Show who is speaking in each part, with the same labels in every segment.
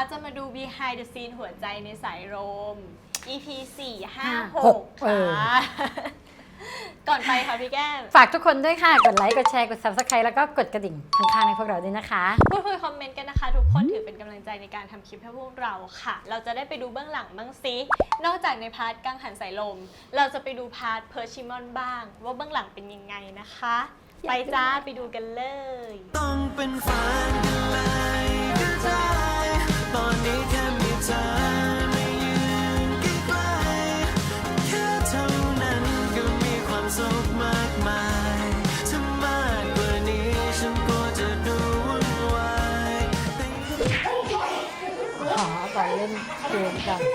Speaker 1: จะมาดู behind the scene หัวใจในสายลม EP 4 5 6 ค่ะ ก่อนไปค่ะพี่แก้ม
Speaker 2: ฝากทุกคนด้วยค่ะ กดไลค์ กดแชร์ กด Subscribe แล้วก็กดกระดิ่งข้างๆให้พวกเราด้วยนะคะ
Speaker 1: พูดคุยคอมเมนต์กันนะคะ ทุกคนถือเป็นกำลังใจในการทำคลิปให้พวกเราค่ะ เราจะได้ไปดูเบื้องหลังบ้างซิ นอกจากในพาร์ทกังหันสายลม เราจะไปดูพาร์ทเพอร์ชิมอนบ้าง ว่าเบื้องหลังเป็นยังไงนะคะ ไปจ้าไปดูกันเลย
Speaker 3: ต้องเป็นฝันกันเลยก็ได้ตอนนี้แค่มีเธอมายืนใกล้ๆแค่เท่านั้นก็มีความสุขมากมายถ้ามากกว่านี้ฉันก็จะดูวุ่นวาย
Speaker 2: ขอก่อนเล่นเกมกัน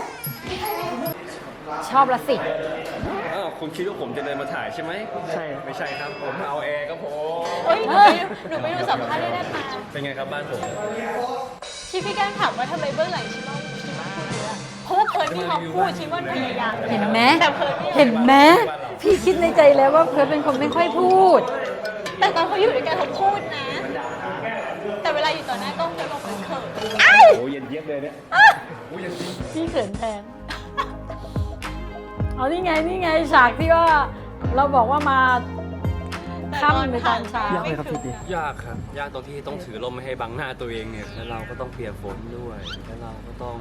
Speaker 2: ชอบละสิ
Speaker 4: อ้าวคุณคิดว่าผมจะเดินมาถ่ายใช่ไหมใช่ไม่ใช่ครับผมมาเอาแอร์ครับผม
Speaker 1: เฮ้ยหนูไปดูสัมภาษณ์ได้มา
Speaker 4: เป็นไงครับบ้านผม
Speaker 1: ที่พี่แก้มถามว่าทำไมเบื้องหลังชิมอนพูดเยอะเพราะว่าเพิร์ดมีความพูดชิมอนพยายาม
Speaker 2: เห็นไหม
Speaker 1: แต่เพิร์ดไม่
Speaker 2: เห็นไหมพี่คิดในใจแล้วว่าเพิร์ทเป็นคนไม่ค่อยพูด
Speaker 1: แต่ตอนเขาอยู่ด้วยกันเขาพูดนะ แต่เวลาอยู่ต่อหน้ากล้องเพิร์ดบอกเพิร์ดเขิน
Speaker 4: โอ้เย็นเยียบเลยเนี่ย
Speaker 2: พี่เขินแทน เอานี่ไงฉากที่ว่าเราบอกว่ามาค่ำในตอนเช้า
Speaker 1: ยากไหมครับพี่
Speaker 4: ยากครับยากตรงที่ต้องถือลมไม่ให้บังหน้าตัวเองเนี่ยแล้วเราก็ต้องเปียกฝนด้วยแล้วเราก็ต้อง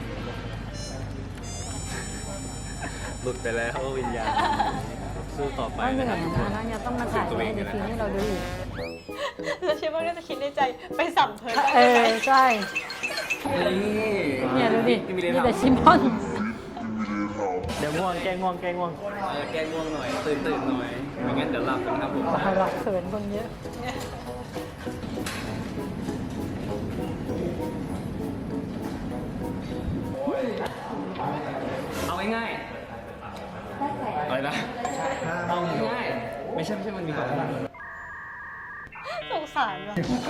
Speaker 4: หลุดไปแล้ววิญญาณสู้ต่อไป
Speaker 2: ต้องเหนื่
Speaker 4: นะ
Speaker 2: อย
Speaker 4: ครับ
Speaker 2: นะแล้วยังต้องมาถ่ายในฟิล์มให้เราดูอีก
Speaker 1: แล้วชิมอนก็จะคิดในใจไปสัมเพิร์ด
Speaker 2: เออใช่
Speaker 4: นี่
Speaker 2: เนี่ยดูดิ
Speaker 4: มี
Speaker 2: มี
Speaker 4: อะไร
Speaker 2: แต่
Speaker 4: ทำ
Speaker 2: ชิมอน
Speaker 4: เดี๋ยวง่วงแกง่วงแกง่วงหน่อยตื่นหน่อยไม่งั้นเดี๋ยวหลับกันครับผม
Speaker 2: หลักเขินคนเยอะ
Speaker 4: เอาง่ายๆอะไรนะเอาง่ายๆไม่ใช่มันมีความ
Speaker 1: สงสารว่ะ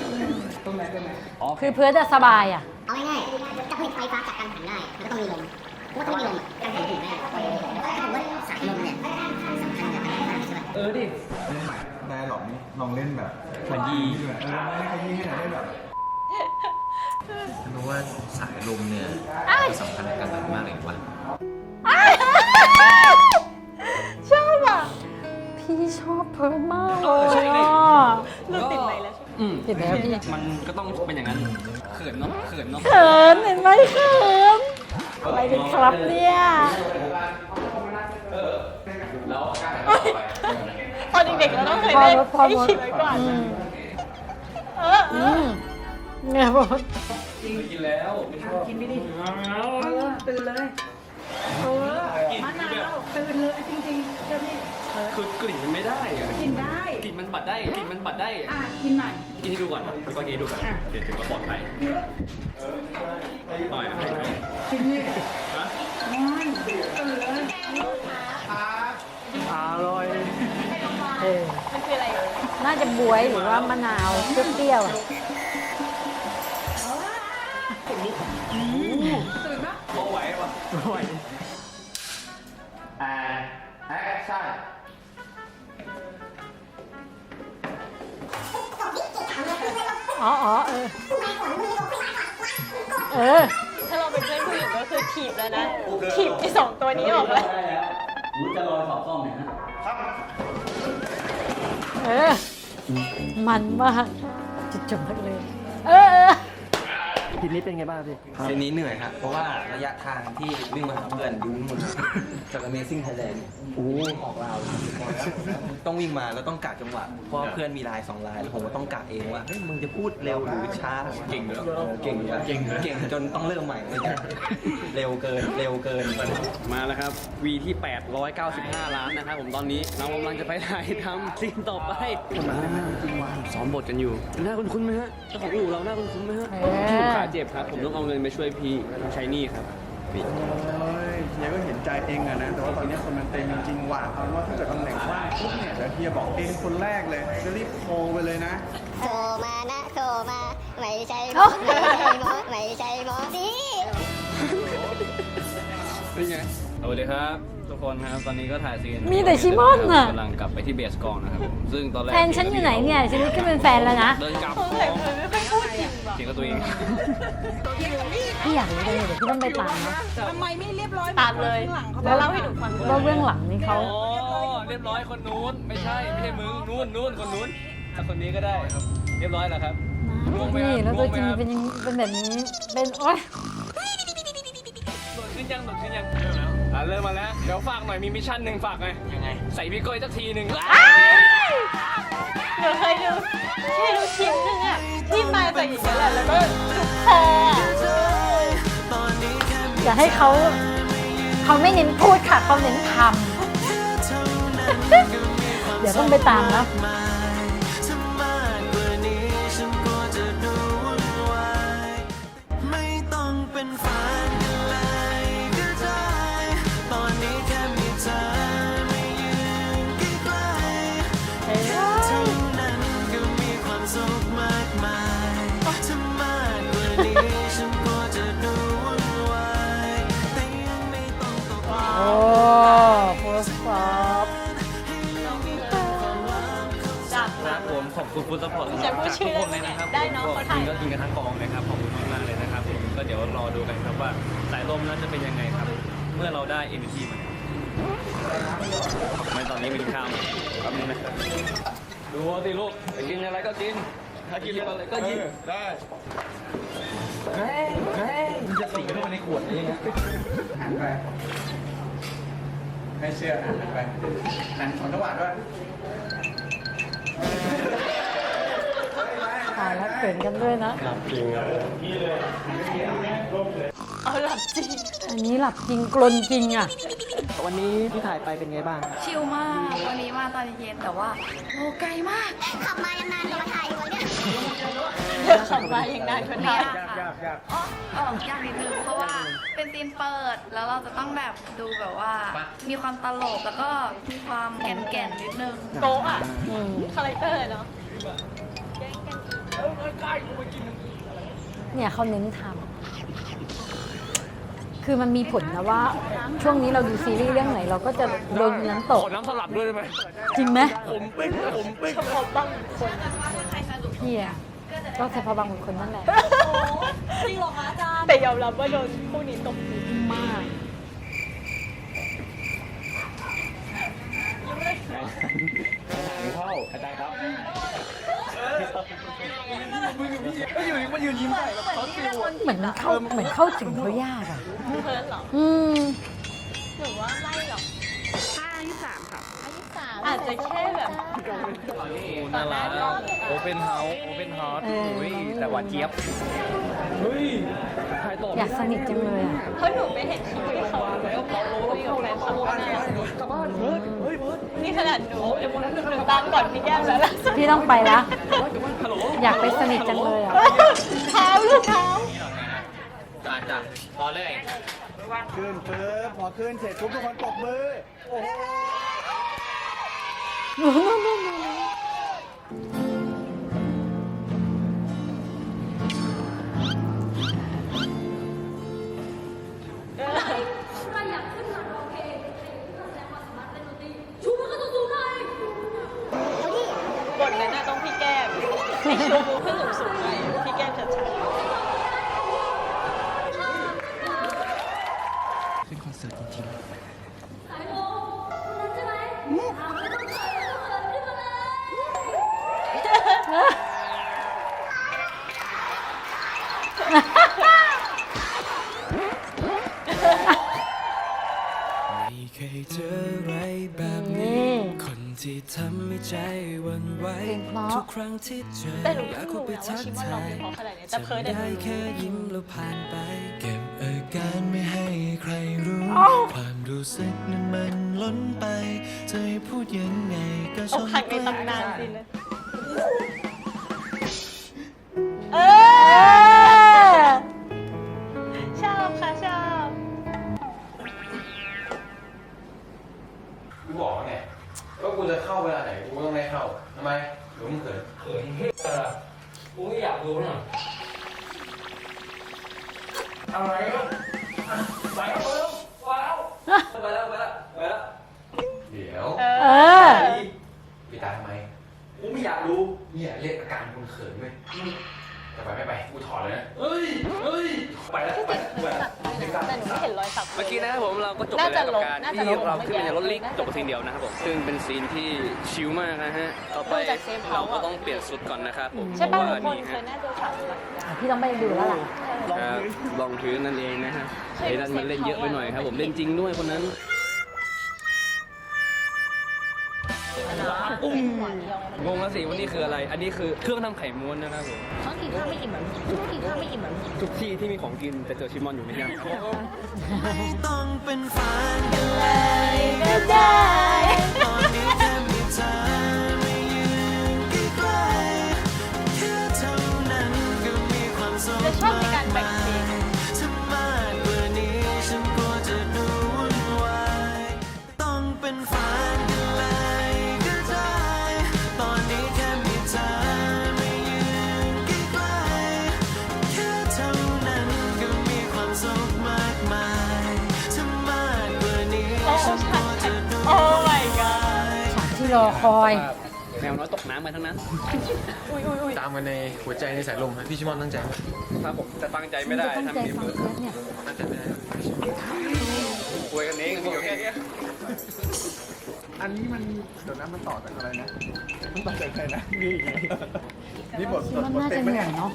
Speaker 2: คือเพื่อจะสบายอ่ะ
Speaker 5: เอาง่ายๆจะผลิตไฟฟ้าจากกังหันได้ มันก็ต้องมีลมเพราะว่าถ้าไม่มีลมกังหันถึงไม่ได้ผมว่าสายลมเนี่ยสำคัญกับกังหันมากใช่ไหม
Speaker 4: ดิ
Speaker 6: เล่นใหม่ได้หรอกนี่ลองเล่นแบบ
Speaker 4: ขยี้
Speaker 6: ด้วยลองเล่นขยี้ให้หน่อยได้แบบ
Speaker 7: รู้ว่าสายลมเนี่ยสำคัญกับมันมากเลยว่ะ
Speaker 1: ชอบอ่ะ
Speaker 2: พี่ชอบเพิร์ดมากเลยอ่ะ
Speaker 1: รู้ติดไหมแล้วใช่ไหม
Speaker 2: เห็นแล้วพี่
Speaker 4: มันก็ต้องเป็นอย่างนั้นเขินเนาะ
Speaker 2: เขินเห็นไหมเขินอะไรกันครับเนี่ย
Speaker 1: ตอนเด็กๆเราต้องเคยเล่น
Speaker 2: พอ
Speaker 1: ไอ้
Speaker 2: หมด
Speaker 1: ฉีดไว้ก่อน
Speaker 2: อืม
Speaker 1: เออ
Speaker 2: เนี่ยบอก
Speaker 4: กินแล้ว คือกลิ่นมันไม่ได้อะกินได้ กลิ่นมันปัดได้ กินให้ดูก่อนพี่ก็กินให้ดูก่อนเดี๋ยวถึงก็ปลอดภัยหน่อยกินนี่อร่อย
Speaker 2: เออ
Speaker 1: มันคืออะไร
Speaker 2: น่าจะบวยหรือว่ามะนาวเปรี้ยวๆอ่ะ
Speaker 4: พอไหวป่ะไหว
Speaker 2: อ๋อเออ เออ
Speaker 1: ถ้าเราเป็นเพื่อนผู้หญิงก็คือถีบแล้วนะ ถีบไอ้สองตัวนี้ออกเลย
Speaker 2: เออ มันมากจุดจบมากเลย เออ
Speaker 4: ทีนี้เป็นไงบ้างพี่
Speaker 7: ทีนี้เหนื่อยครับเพราะว่าระยะทางที่วิ่งมาหาเพื่อนยุ่งหมดจาก Amazing Thailand ออกลาวต้องวิ่งมาแล้วต้องกะจังหวะเพราะเพื่อนมีลาย2ลายแล้วผมก็ต้องกะเองว่าเฮ้ยมึงจะพูดเร็วหรือช้าเก่งด้วยเก่งจนต้องเริ่มใหม่เลยเร็วเกิน
Speaker 4: มาแล้วครับ วีที่ 895 ล้านนะครับผมตอนนี้เรากำลังจะไปถ่ายทำซีนต่อไปซ้อมบทกันอยู่หน้าคุ้นๆไหมฮะเจ้าของอู่เราหน้าคุ้นๆไหมฮะ
Speaker 2: เออ
Speaker 4: พี่ผมขาเจ็บครับ ผมต้องเอาเงินไปช่วยพี่ต้องใช้หนี้ครับพี่
Speaker 6: เฮ้ยเฮียก็เห็นใจเองอะนะ แต่ว่าตอนนี้คนมันเต็มจริงๆว่ะเอาว่าถ้าเกิดตำแหน่งว่างปุ๊บเนี่ยเดี๋ยวเฮียบอกเองคนแรกเลยจะรีบโทรไปเลยนะ
Speaker 5: โทรมานะโทรมาไม่ใช่หมอไม่ใช่หมอนี่
Speaker 4: เป็นไงสวัสดีครับทุกคนครับตอนนี้ก็ถ่ายซีน
Speaker 2: มีแต่ชิมอนน่ะ
Speaker 4: กำลังกลับไปที่เบสกองนะครับผมซึ่งตอนแรก
Speaker 2: แฟนฉันอยู่ไหนเนี่ยฉันนี่ก็เป็นแฟนแล้วนะ
Speaker 4: เดินกลับ
Speaker 1: สงสัยเพิร์ดไม่ค่อยพูดจริงว่ะ
Speaker 4: จริงงกับตัวเอง
Speaker 2: พี่อยากรู้เลยเดี๋ยวพี่ต้องไปตามนะ
Speaker 8: ทำไมไม่เรียบร้อย
Speaker 1: ตามเลย
Speaker 8: ข้างหลังเขา
Speaker 1: แล้วเล่าให้หนูฟังด้วย
Speaker 2: ว่าเบื้องหลังนี่เขา
Speaker 4: อ๋อเรียบร้อยคนนู้นไม่ใช่มึงนู้นคนนู้นแต่คนนี้ก็ได้ครับเรียบร้อยแล้วครับง่วงไหมครับ
Speaker 2: นี่แล้วตัวจริง
Speaker 4: ง่วงไหมครับ
Speaker 2: เป็นแบบนี้เป็นโอ๊ย
Speaker 4: โดดขึ้นยังเริ่มมาแล้วเดี๋ยวฝากหน่อยมีมิชชั่นหนึ่งฝากไงยังไงใส่พี่ก้อยสักทีหนึ่ง
Speaker 1: หนูเคยดูคลิปนึงอ่ะที่มาจากอย่างนี้แหละแล้วก็จุกคอ
Speaker 2: อย่าให้เขาไม่เน้นพูดค่ะเขาเน้นทำ เดี๋ยวต้องไปตามนะ
Speaker 3: ไม่ต้องเป็นแฟนกันเลยก็ได้ ตอนนี้แค่มีเธอมายืนใกล้ๆแค่เท่านั้นก็มีความสุขมากมายถ้ามากกว่านี้ฉันก็จะดูวุ่นวายแต่ยังไม่ต้องตก
Speaker 2: โอ้โพสต์ฟอป
Speaker 1: จับ
Speaker 4: ครับผมขอบคุณฟุตซัพพอร์ต
Speaker 1: จะพูดชื่อ
Speaker 4: ทุกคนเลยนะครับ
Speaker 1: ได้เนอะ
Speaker 4: ผม
Speaker 1: เขาถ่าย
Speaker 4: ก็กินกันทั้งกองเลยครับขอบคุณมากๆเลยนะครับผมก็เดี๋ยวรอดูกันครับว่าสายลมนั้นจะเป็นยังไงครับ เมื่อเราได้ MVP มาไม่ตอนนี้มีข้าวแป๊บนึงนะดูสิลูกไปกินอะไรก็กินถ้ากินอะไรก็ยิง
Speaker 6: ได้มันจะสีเข้าไปในขวดนี้นะหันไปไม่เชื่อหันไปหันของจังหวะด้วย
Speaker 2: ตายแล้วเขินกันด้วยนะ
Speaker 1: เอาหลับจริง
Speaker 2: อันนี้หลับจริงกลนจริงอ่ะ
Speaker 9: วันนี้ที่ถ่ายไปเป็นไงบ้าง
Speaker 8: ชิลมาก วันนี้มาตอนเย็นแต่ว่าโอ้ไกลมาก
Speaker 5: ขับมายังนานกว่ามาถ่ายอยู่เนี่ย
Speaker 1: เดี๋ยวขับมาอย่างนานคน
Speaker 8: ไม่
Speaker 1: ไทย
Speaker 8: ยากค่ะยากนิดนึงเพราะว่าเป็นซีนเปิด แล้วเราจะต้องแบบดูแบบว่า มีความตลกแล้วก็มีความแก่นๆนิดนึง
Speaker 1: โกะอ่ะ
Speaker 2: อืม
Speaker 1: คาแรคเตอร์เนาะ
Speaker 2: เนี่ยเขาเน้นทำคือมันมีผลนะว่า ช่วงนี้เราดูซีรีส์เรื่องไหนเราก็จะโดนน้ำตก
Speaker 4: ขอน้ำสลับด้วยได้ไหม
Speaker 2: จริงไหม
Speaker 4: ผมปิ๊ก
Speaker 1: เฉพาะบางคน
Speaker 2: พี่อะก็เฉพาะบางคนนั่นแหละ
Speaker 1: จริงหรอคะอาจารย์แต่ยอมรับว่าโดนคู่นี้ตบตี
Speaker 2: มาก
Speaker 4: เข้าอาจารย์ครับ
Speaker 6: มันยืนยิ้มได้แบบเขาฟิล
Speaker 2: เหมือนเข้าถึงเขายากอ่ะ
Speaker 1: เพิ่นเหรอ
Speaker 2: อืม
Speaker 1: หรือว่าไม่หรอก
Speaker 8: อันที่สามค่ะ
Speaker 1: อาจจะแค่แบบ
Speaker 4: น่ารักโอเปนเฮาส์แต่หวานเจี๊ยบ เฮ้ยถ่ายต่อ
Speaker 2: อยากสนิทจังเลยอ่ะ
Speaker 1: เพราะหนูไปเห็นคลิปที่เขาคุยกับแฟนคลับนี่ขนาดหนูตามก่อนพี่แก้มแล้วล่ะ
Speaker 2: พี่ต้องไปละอยากไปสนิทจังเลยอ่ะ
Speaker 1: เท้าลูกเท้า
Speaker 4: จ้ะพอเลย
Speaker 6: ขึ้นปึ๊บพอขึ้นเสร็จปุ๊บทุกคนปรบมือ โอ้โห
Speaker 1: บทนั้นน่ะต้องพี่แก้มไอชูมือขึ้นสูงๆหน่อยพี่แก้มชัด
Speaker 3: เป็นคอนเสิร์ตจริงๆ ไม่เคยเจออะไรแบบนี้ คนที่ทำให้ใจหวันไหว
Speaker 2: เพลงเพราะ
Speaker 3: ทุกครั้งที่เจอ
Speaker 1: ๆแต่หนู
Speaker 3: อยา
Speaker 1: เพิ่
Speaker 3: ก
Speaker 1: ง
Speaker 3: เข้า
Speaker 1: รู้
Speaker 3: ไป
Speaker 1: นะว่า
Speaker 3: ทัก
Speaker 1: ชิมอนร้อง
Speaker 3: ทาย
Speaker 1: เพลงเพราะขนาดนี้แต่เพิร์ด
Speaker 3: ได้
Speaker 1: เด็ด
Speaker 3: แค่ยิ้มแล้วผ่านไป เก็บอาการไม่ให้ใครรู้ ความรู้สึกนั้นมันล้นไป จะให้พูดยังไงก็
Speaker 1: อ
Speaker 3: ช่าก ง
Speaker 1: หักในตำนานสินะชอบค่ะชอบ
Speaker 7: กูบอกไงก็กูจะเข้าเวลาไหนกูต้องไม่เข้าทำไมหรือมึงเขิน
Speaker 4: กูไม่อยากดูน่ะ
Speaker 7: อะไรก็
Speaker 4: ไปแล้วไปแล้ว
Speaker 7: เดี๋ยว
Speaker 2: เออ
Speaker 7: ไปตายทำไม
Speaker 4: กูไม่อยากดู
Speaker 7: เนี่ยเรียกอาการคนเขินไหม
Speaker 4: จะไปไม่ไปกูถอดเลยนะเฮ้ยไปแล้วไป
Speaker 1: แต่หนูไม่เห็นรอยสัก
Speaker 4: เมื่อกี้นะครับผมเราก็จบไปแล้วกับการที่เราขึ้นไปในรถลิกจบกับซีนเดียวนะครับผมซึ่งเป็นซีนที่ชิลมากนะฮะต่อไปเราก็ต้องเปลี่ยนชุดก่อนนะครับผม
Speaker 1: ใช่ป่ะ
Speaker 4: เพ
Speaker 1: ทุ
Speaker 4: ราะ
Speaker 1: ก
Speaker 4: ว่า
Speaker 1: คน
Speaker 4: นี่
Speaker 1: เคย
Speaker 4: ฮะ
Speaker 1: น่าจะฉากนี้
Speaker 2: พี่ต้องไปดูแล้วล่ะ
Speaker 4: ครับลองพื้นนั่นเองนะฮะไอ้นั่นมันเล่นเยอะไปหน่อยครับผมเล่นจริงด้วยคนนั้นงงแล้วสิว่านี่คืออะไร อันนี้คือเครื่องทำไข่ม้วนนะครับผม
Speaker 5: เขากินข้าวไม่อิ่มแบบนี้กินข้าวไม่อิ่มแบบนี้
Speaker 4: ทุกที่ที่มีของกินแต่เจอชิมอนอยู่ไม่ยัง
Speaker 3: ไม่ต้องเป็นแฟนกันเลยก็ได้ตอนนี้แค่มีเธอมายืนใกล้ๆแค่เท่านั้นก็มีความสุข
Speaker 1: จะชอบในการแบ่งเพลง
Speaker 3: ถ้ามากกว่านี้ฉันกลัวจะดูวุ่นวายต้องเป็นแฟนกันเลยก็ได้ตอนนี้แค่มีเธอมายืนใกล้ๆแค่เท่านั้นก็มีความสุขมากมายถ้ามากกว่านี้
Speaker 1: โอ้
Speaker 3: ฉันกลัวจะดู
Speaker 1: โอ้ my god
Speaker 2: ฉากที่รอคอย
Speaker 4: แมวน้อยตกน้ำไปทั้งนั้น
Speaker 10: ตามกันในหัวใจในสายลมฮะพี่ชิมอนตั้งใจไหม
Speaker 4: ครับผมจะตั้งใจไม่ได้
Speaker 2: ตั้ง
Speaker 4: ทำ
Speaker 2: ใจ
Speaker 4: เนียม
Speaker 2: ฟัง
Speaker 4: เลย
Speaker 2: เทปเนี่ย
Speaker 10: ตั้งใจไม่ได้
Speaker 4: คุยกันเองมีอยู่แค่นี้
Speaker 6: อันนี้มันเดี๋ยวนะมันต่อจากอะไรนะมันต่อจากใครนะนี่ไงนี่บท
Speaker 2: มันน่าจะเหนื่อยเนาะ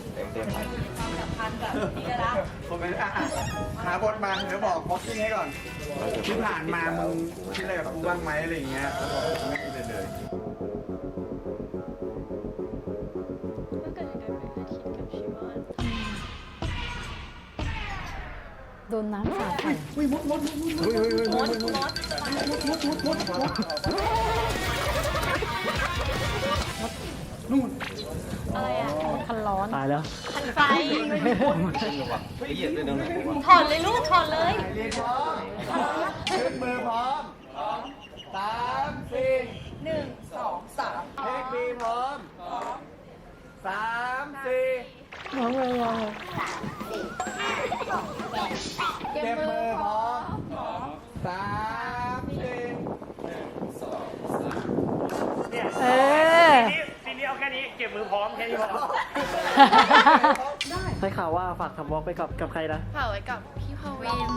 Speaker 6: ผมเป็นหาบทมาเดี๋ยวบอกบ็อกซิ่งให้ก่อน ที่ผ่านมามึงคิดอะไรกับกูบ้างไหมอะไรอย่างเงี้ยแล้วบอกผมไม่คิดเลย
Speaker 1: เมื่อเกิดเดือนเป็นอาทิตย์กับชิมอน
Speaker 2: โดนน้ำสาดใส่
Speaker 1: มดอะไรอ่ะ
Speaker 2: คันร้อน
Speaker 9: ตายแล้ว
Speaker 1: ขันไฟ
Speaker 7: ไปเหยียบเลยนะ
Speaker 1: ถอดเลยลูกถอดเลย
Speaker 6: ขึ้นมือพร้อม3 4 1 2 3เลขบีพร้อม3 4
Speaker 2: งงเลยงง
Speaker 6: เก็บมือพร้อม3 4
Speaker 2: เออ
Speaker 4: ซีนี้เอาแค่นี้เก็บมือพร้อมแค่นี้พอ
Speaker 9: ได้ข่าวว่าฝากทำวอล์กไปกับใครนะ
Speaker 8: เผาไว้กับพี่พวิน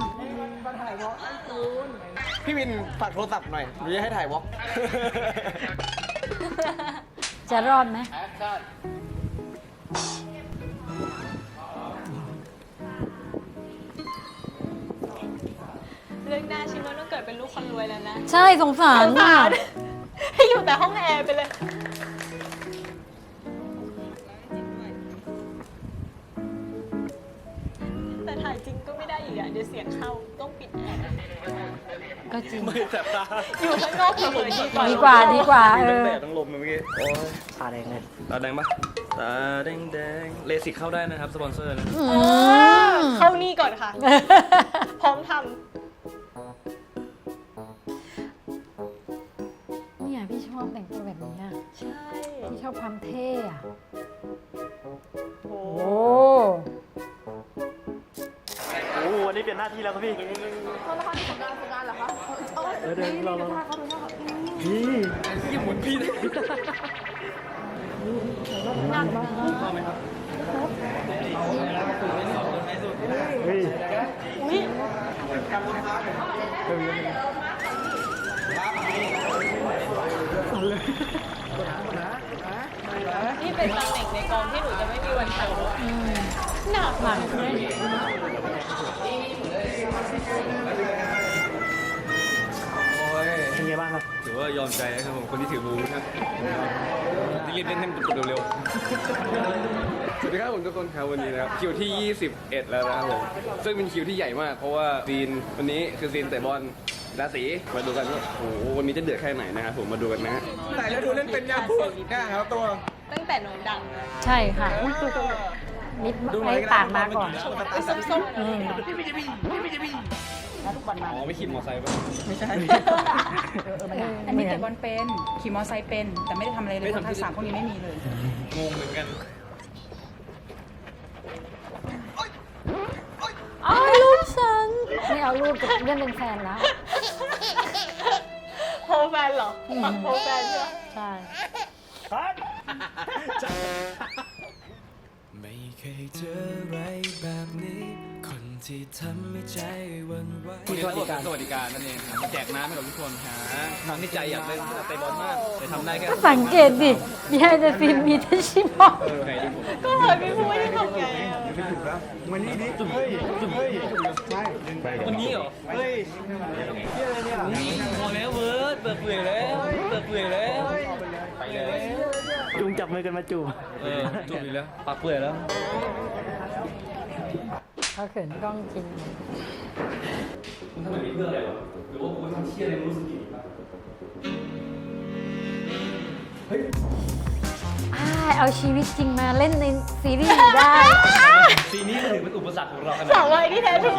Speaker 9: พี่วินฝากโทรศัพท์หน่อยหรือจะให้ถ่ายวอล์ก
Speaker 2: จะรอดไหม
Speaker 1: เรื่องหน้าชิมอนต้องเกิดเป็นลูกคนรวยแล้วนะ
Speaker 2: ใช่สงสาร
Speaker 1: สง
Speaker 2: น่ะ
Speaker 1: สารให้อยู่แต่ห้องแอร์ไปเลย แต่ถ่ายจริงก็ไม่ได้อีกอ่ะ เดี๋ยวเสียงเข้าต้องปิดแอร์
Speaker 2: ก็จริง
Speaker 4: ไม่แสบตา
Speaker 1: อยู่ข้างนอกเฉยๆดีกว่า
Speaker 2: ดีกว่าดีกว่า
Speaker 4: มี
Speaker 2: เอ
Speaker 4: ทั้ง
Speaker 2: อ
Speaker 4: แดดทั้งลมเลยเมื่อกี้ โอ้ย
Speaker 9: ตาแดงเลย
Speaker 4: ตาแดงปะตาแดงแดงเลสิกเข้าได้นะครับ สปอนเซอร์นะ
Speaker 2: อืม
Speaker 1: เข้านี่ก่อนค่ะ พร้อมท
Speaker 2: เนี่ยพี่ชอบแต่งตัวแบบนี้อะ
Speaker 1: ำ ใช่
Speaker 2: พี่ชอบความเท่อะ
Speaker 1: โอ้
Speaker 2: โอ้
Speaker 9: โอ้วันนี้เปลี่ยนหน้าที่แล้วครับพี่เดี๋ยวเราพี่
Speaker 4: ยี่หมุนพี่เลย
Speaker 9: เฮ้ย
Speaker 1: อุ๊ยนี่เป็นตำแหน่งในกองที่หนูจะไม่มีวันทำหนักมาก
Speaker 9: เป็นไงบ้างครับ
Speaker 4: ถือว่ายอมใจนะครับผมคนที่ถือบูนะครับรีบเล่นให้มันจบเร็วๆ สวัสดีครับผมทุกคนครับวันนี้นะครับคิวที่ 21 แล้วนะครับผมซึ่งเป็นคิวที่ใหญ่มาก เพราะว่าซีนวันนี้คือซีนเตะบอลราศีมาดูกันว่าโอ้โหวันนี้จะเดือดแค่ไหนนะครับผมมาดูกันนะฮะ
Speaker 6: แต่แล้วดูเล่นเป็นยังพูดแค่ครับตัว
Speaker 1: ตั้งแต่หนูดังเลย
Speaker 2: ใช่ค่ะนิดไอ้ปากมาก่อน
Speaker 1: ไอ้ส้มๆ
Speaker 2: อืม
Speaker 4: อ๋อไม่ขี่มอเตอร์ไซค์ป่ะ
Speaker 9: ไม่ใช่
Speaker 11: อันนี้เตะบอลเป็น ขี่มอเตอร์ไซค์เป็น แต่ไม่ได้ทำอะไรเลยเพราะทักษะพวกนี้ไม่มีเลย
Speaker 4: งงเหมือนกัน
Speaker 2: เอารูปฉัน ไม่เอารูปจะเล่นเป็นแฟนแล้ว
Speaker 1: โพลแฟนเหรอฝั่งโพลแฟนใช่ไหม
Speaker 2: ใช่
Speaker 3: ไม่เคยเจออะไรแบบนี้คนที่ทำให้ใจหวันไหว
Speaker 4: คุณสวัสดิการนั่นเองครับมาแจกน้ำให้กับทุกคนฮะทั้งที่ใจอยากเล่นเตะบอลมากแต่ทำได้แค่
Speaker 2: ก็สังเกตดิมีไฮเดซีนมีแต่ชิมอน
Speaker 4: ไหนดูผม
Speaker 1: ก็เหมือนพี่พูดที่ทำไงอะ
Speaker 6: ไม่ถูกแล้ววันนี้ดิจุ่มเฮ้ยใช่ดึงไป
Speaker 4: วันนี้เหรอ
Speaker 6: เฮ้ยเที่ยอะไรเนี่ย
Speaker 4: พอแล้วเวิร์ดเปิดเปลือยแล้วเปิดเปลือยแล้วไปเลย
Speaker 9: จุงจับมือกันมาจูบ
Speaker 4: จุ่มอีกแล้วปากเปลือยแล้ว
Speaker 2: เขาเขินกล้องจริง
Speaker 4: คุณทำแบบนี้เพื่ออะไรวะหรือว่าคุณทำเชี่ยอะไรรู้สึกผิด
Speaker 2: เอาชีวิตจริงมาเล่นในซีรีส์ได้
Speaker 4: ซีนนี้ถือเป็นอุปสรรคของเราขนาด
Speaker 1: สาววัยที่แท้ทรู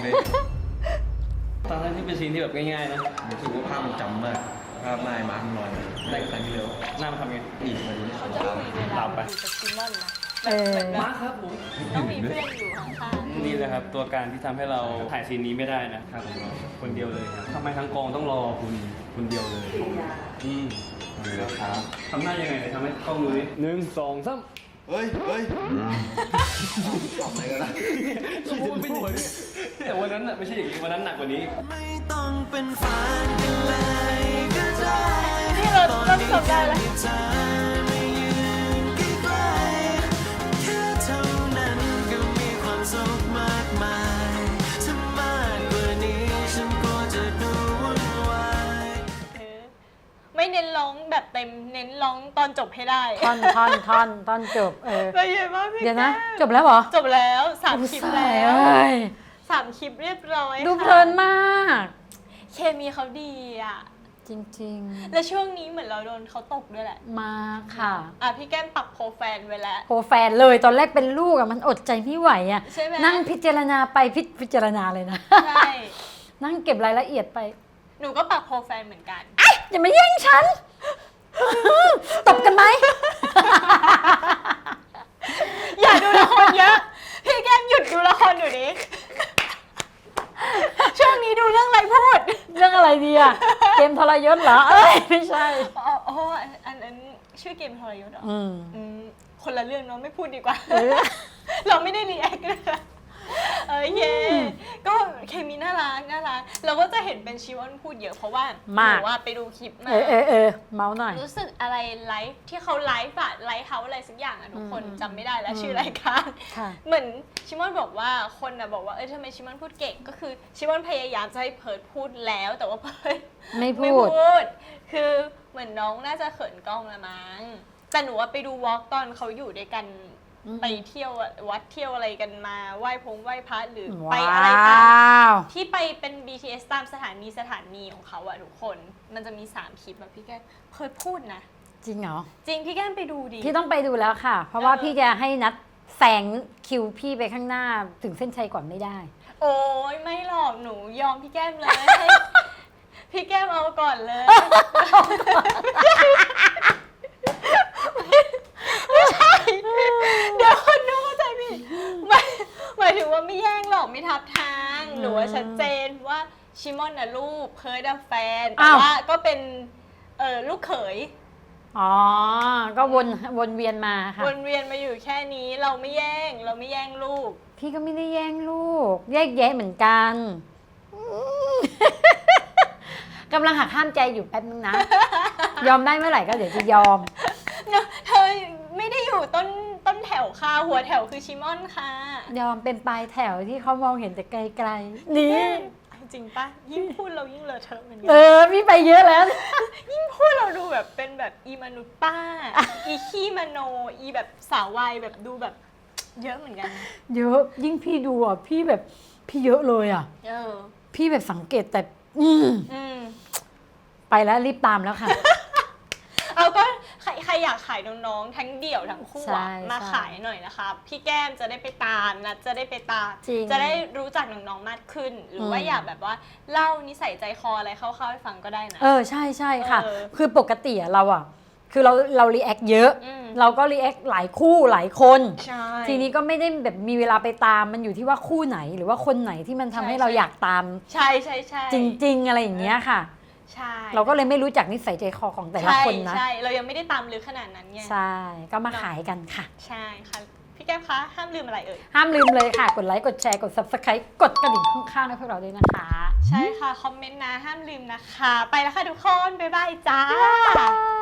Speaker 4: ทั้งที่เป็นซีนที่แบบง่ายๆนะ
Speaker 7: รู้สึกว่าภาพมันจำมากภาพนายมาร์คลอยได้ครั้งที่แล้ว
Speaker 4: หน้ามันทำไง
Speaker 7: อีกมาดู
Speaker 1: เขาจะคุยเวลาอยู่กับซิมอนนะ
Speaker 2: เออ
Speaker 4: มาครับผม
Speaker 1: ต้องมีเพื่อนอยู่ข้าง
Speaker 4: นี่แหละครับตัวการที่ทำให้เราถ่ายซีนนี้ไม่ได้นะครับคนเดียวเลยครับทำไมทั้งกองต้องรอคุณเดียวเลยครับทำหน้ายังไงทำให้กล้องดูดิ1 2 3
Speaker 6: เฮ้ยอะไรกันนะ
Speaker 4: ไม่หัวแต่วันนั้นน่ะไม่ใช่อย่างนี้วันนั้นหนักกว่านี้
Speaker 3: ไม่ต้องเป็นแฟนกันเลยก็ได้
Speaker 1: ๆนี่เราต้องจบได้แล้ว
Speaker 3: เธอไม่ยืนใกล้ๆแค่เท่านั้นก็มีความสุขมากมายถ้ามากกว่านี้ฉันก็จะดูวุ่นวาย
Speaker 1: ไม่เน้นร้องแบบเต็มเน้นร้องตอนจบให้ได้
Speaker 2: ท่อนตอนจบ
Speaker 1: ไปเยอะมากพี่
Speaker 2: เดี๋ยวนะ
Speaker 1: แก้ม
Speaker 2: จบแล้วเหรอ
Speaker 1: จบแล้ว3 คลิปแล้ว
Speaker 2: เอ้ย
Speaker 1: 3 คลิปเรียบร้อย
Speaker 2: ดู
Speaker 1: ค่ะ
Speaker 2: เพลินมาก
Speaker 1: เคมีเขาดีอ่ะ
Speaker 2: จริง
Speaker 1: และช่วงนี้เหมือนเราโดนเขาตกด้วยแหละ
Speaker 2: ๆ มาค่ะ
Speaker 1: พี่แก้มปักโปรแฟนไว้แล้ว
Speaker 2: โหแฟนเลยตอนแรกเป็นลูกอะมันอดใจไม่ไหวอะ
Speaker 1: ใช่ไหม
Speaker 2: นั่งพิจารณาไปพิจารณาเลยนะ
Speaker 1: ใช่
Speaker 2: นั่งเก็บรายละเอียดไป
Speaker 1: หนูก็ปักโปรแฟนเหมือนกัน
Speaker 2: อย่ามาแย่งฉัน ตบกันไหม
Speaker 1: อย่าดูละครเยอะ พี่แก้มหยุดดูละครอยู่นี้ ช่วงนี้ดูเรื่องอะไรพูด
Speaker 2: เรื่องอะไรดีอะเกมทรยศเหรอ เอ้ยไม่ใช่
Speaker 1: อ๋ออันนั้นชื่อเกมทรยศเหรอ
Speaker 2: อืม
Speaker 1: คนละเรื่องเนาะไม่พูดดีกว่า
Speaker 2: เออ
Speaker 1: เราไม่ได้รีแอคนะคะเย่ก็เคมีน่ารักเราก็จะเห็นเป็นชิวอนพูดเยอะเพราะว่าหนูว่าไปดูคลิปมา
Speaker 2: เมาหน่อย
Speaker 1: รู้สึกอะไรไลฟ์ที่เขาไลฟ์อะไลฟ์เฮาอะไรสักอย่างอะทุกคนจำไม่ได้แล้วชื่อรายการ
Speaker 2: ค่ะ
Speaker 1: เหมือนชิมอนบอกว่าคนอะบอกว่าทำไมชิมอนพูดเก่งก็คือชิมอนพยายามจะให้เพิร์ดพูดแล้วแต่ว่าเพิร์ด
Speaker 2: ไม่พู
Speaker 1: ไม่
Speaker 2: ด
Speaker 1: พูดคือเหมือนน้องน่าจะเขินกล้องละมั้งแต่หนูว่าไปดูวอล์กตอนเขาอยู่ด้วยกันไปเที่ยววัดเที่ยวอะไรกันมาไหว้พระหรือไปอะไรตามที่ไปเป็น BTS ตามสถานีของเขาอะทุกคนมันจะมี3 คลิปแบบพี่แก้มเพิร์ดพูดนะ
Speaker 2: จริงเหรอ
Speaker 1: จริงพี่แก้มไปดูดิ
Speaker 2: พี่ต้องไปดูแล้วค่ะ เพราะว่าพี่จะให้นัดแซงคิวพี่ไปข้างหน้าถึงเส้นชัยก่อนไม่ได้
Speaker 1: โอ้ยไม่หรอกหนูยอมพี่แก้มเลยให้พี่แก้มเอาก่อนเลยไม่ใช่เดี๋ยวคนดูเข้าใจผิดหมายถึงว่าไม่แย่งหรอกไม่ทับทางหนูว่าชัดเจนว่าชิมอนน่ะลูกเพิร์ดแฟนแต่ว่าก็เป็นลูกเขย
Speaker 2: อ๋อ ก็วนเวียนมาค่ะ
Speaker 1: วนเวียนมาอยู่แค่นี้เราไม่แย่งลูก
Speaker 2: พี่ก็ไม่ได้แย่งลูก แยกแยะเหมือนกันกำลังหักห้ามใจอยู่แป๊บนึงนะ ยอมได้เมื่อไหร่ก็เดี๋ยวจะยอม
Speaker 1: เธอไม่ได้อยู่ต้นแถวค่ะหัวแถวคือชิมอนค่ะ
Speaker 2: ยอมเป็นปลายแถวที่เขามองเห็นแต่ไกลๆนี่
Speaker 1: จริงปะยิ่งพูดเรายิ่งเลอะเทอะเหมือนกั
Speaker 2: พี่ไปเยอะแล้ว
Speaker 1: ยิ่งพูดเราดูแบบเป็นแบบอีมนุษย์ป้า อีขี้มโนอีแบบสาววัยแบบดูแบบเยอะเหมือนกัน
Speaker 2: เยอะยิ่งพี่ดูอ่ะพี่แบบพี่เยอะเลยอ่ะ พี่แบบสังเกตแต่ไปแล้วรีบตามแล้วค่ะ
Speaker 1: เอาก็ใครอยากขายน้องๆทั้งเดี่ยวทั้งคู่
Speaker 2: ใช่
Speaker 1: มาขายหน่อยนะคะพี่แก้มจะได้ไปตามนะจะได้ไปตาม
Speaker 2: จริง
Speaker 1: จะได้รู้จักน้องๆมากขึ้น หรือว่าอยากแบบว่าเล่านิสัยใจคออะไรเข้าๆให้ฟังก็ได้นะ
Speaker 2: ใช่ค่ะ คือปกติเราอ่ะคือเรารีแอคเยอะ เราก็รีแอคหลายคู่หลายคน
Speaker 1: ใช่
Speaker 2: ทีนี้ก็ไม่ได้แบบมีเวลาไปตามมันอยู่ที่ว่าคู่ไหนหรือว่าคนไหนที่มันทำให้เราอยากตาม
Speaker 1: ใช่
Speaker 2: จริงๆอะไรอย่างเงี้ยค่ะ
Speaker 1: ใช่
Speaker 2: เราก็เลยไม่รู้จักนิสัยใจคอของแต่ละคนนะ
Speaker 1: ใช่เรายังไม่ได้ตามลึกขนาดนั้นไง
Speaker 2: ใช่ก็มาขายกันค่ะ
Speaker 1: ใช่ค่ะพี่แก้มคะห้ามลืมอะไรเอ่ย
Speaker 2: ห้ามลืมเลยค่ะ กดไลค์ กดแชร์ กด subscribe กดกระดิ่งข้างๆให้พวกเราด้วยนะคะ
Speaker 1: ใช่ค่ะ คอมเมนต์นะ ห้ามลืมนะคะ ไปแล้วค่ะทุกคน บ๊ายบายจ้า